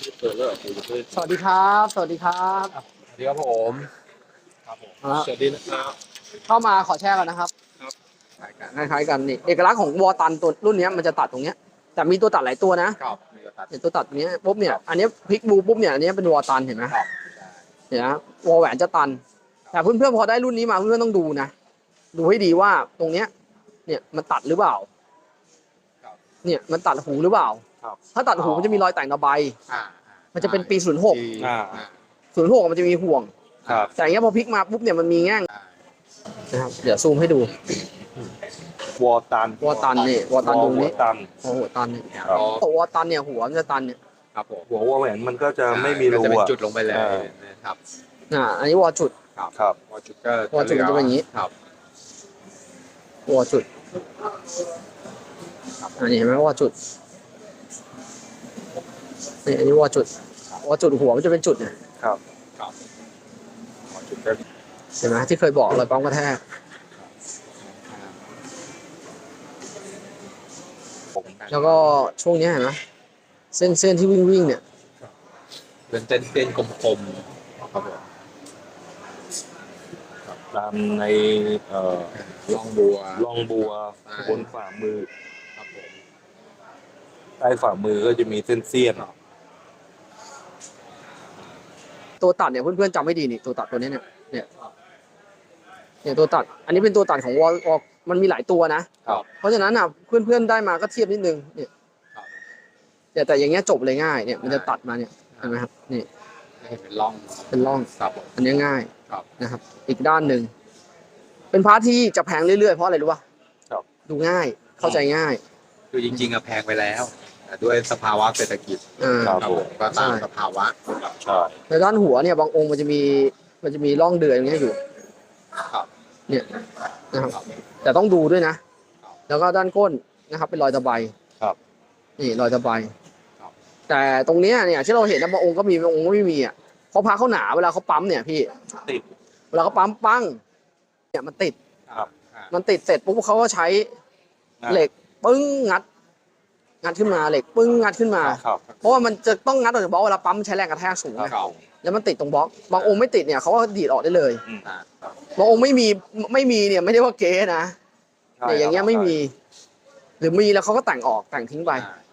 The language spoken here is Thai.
เปิดแล้วสวัสดีครับสวัสดีครับสวัสดีครับผมสวัสดีนะครับเข้ามาขอแชร์ก่อนนะครับครับคล้ายๆกันนี่เอกลักษณ์ของวอตันตัวรุ่นนี้มันจะตัดตรงเนี้ยแต่มีตัวตัดหลายตัวนะครับเห็นตัวตัดเนี้ยปุ๊บเนี่ยอันนี้พลิกบูปุ๊บเนี่ยอันนี้เป็นวอตันเห็นไหมเห็นไหมวอแหวนจะตันแต่เพื่อนๆพอได้รุ่นนี้มาเพื่อนๆต้องดูนะดูให้ดีว่าตรงเนี้ยเนี่ยมันตัดหรือเปล่าเนี่ยมันตัดหูหรือเปล่าถ้าตัดหูมันจะมีรอยแต่งระบายมันจะเป็นปี06มันจะมีห่วงแต่อย่างเงี้ยพอพลิกมาปุ๊บเนี่ยมันมีแง่งนะครับเดี๋ยวซูมให้ดูวอตันนี่วอตันตรงนี้ตันหัวตันนี่วอตันเนี่ยหัวมันจะตันเนี่ยครับผมหัววอแหวนมันก็จะไม่มีรูจะเป็นจุดลงไปเลยนะครับอันนี้วอจุดครับวอจุดก็วอจุดจะเป็นอย่างนี้ครับวอจุดอันนี้เห็นไหมวอจุดนี่อันนี้วอจุดหัวมันจะเป็นจุดเนี่ยครับวอจุดก็เห็นไหมที่เคยบอกรอยปั๊มกระแทกแล้วก็ช่วงนี้เห็นไหมเส้นที่วิ่งเนี่ยเป็นเส้นกลมๆครับผมตามในล่องบัวบนฝ่ามือครับผมใต้ฝ่ามือก็จะมีเส้นเสี้ยนตัวตัดเนี่ยเพื่อนๆจำไม่ดีนี่ตัวตัดตัวนี้เนี่ยตัวตัดอันนี้เป็นตัวตัดของวอลมันมีหลายตัวนะเพราะฉะนั้นเพื่อนๆได้มาก็เทียบนิดนึงเนี่ยแต่อย่างเงี้ยจบเลยง่ายเนี่ยมันจะตัดมาเนี่ยเห็นไหมครับนี่เป็นร่องครับอันนี้ง่ายนะครับอีกด้านหนึ่งเป็นพาร์ทที่จะแพงเรื่อยๆเพราะอะไรรู้ป่ะดูง่ายเข้าใจง่ายคือจริงๆแพงไปแล้วด้วยสภาวะเศรษฐกิจก็ตามสภาวะในด้านหัวเนี่ยบางองค์มันจะมีร่องเดือยอย่างเงี้ยอยู่เนี่ยนะครับแต่ต้องดูด้วยนะแล้วก็ด้านก้นนะครับเป็นรอยตะไบนี่รอยตะไบแต่ตรงเนี้ยเนี่ยที่เราเห็นนะบางองค์ก็มีบางองค์ก็ไม่มีเพราะพาเขาหนาเวลาเขาปั๊มเนี่ยพี่ติดเวลาเขาปั๊มปั้งเนี่ยมันติดเสร็จปุ๊บเขาก็ใช้เหล็กปึ้งงัดขึ้นมาเหล็กปึ้งงัดขึ้นมาเพราะว่ามันจะต้องงัดออกจากบล็อกเวลาปั๊มใช้แรงกระแทกสูงแล้วมันติดตรงบล็อกบางองค์ไม่ติดเนี่ยเขาก็ดีดออกได้เลยบางองค์ไม่มีเนี่ยไม่ได้ว่าเก๊นะเนี่ยอย่างเงี้ยไม่มีหรือมีแล้วเขาก็แต่งทิ้งไป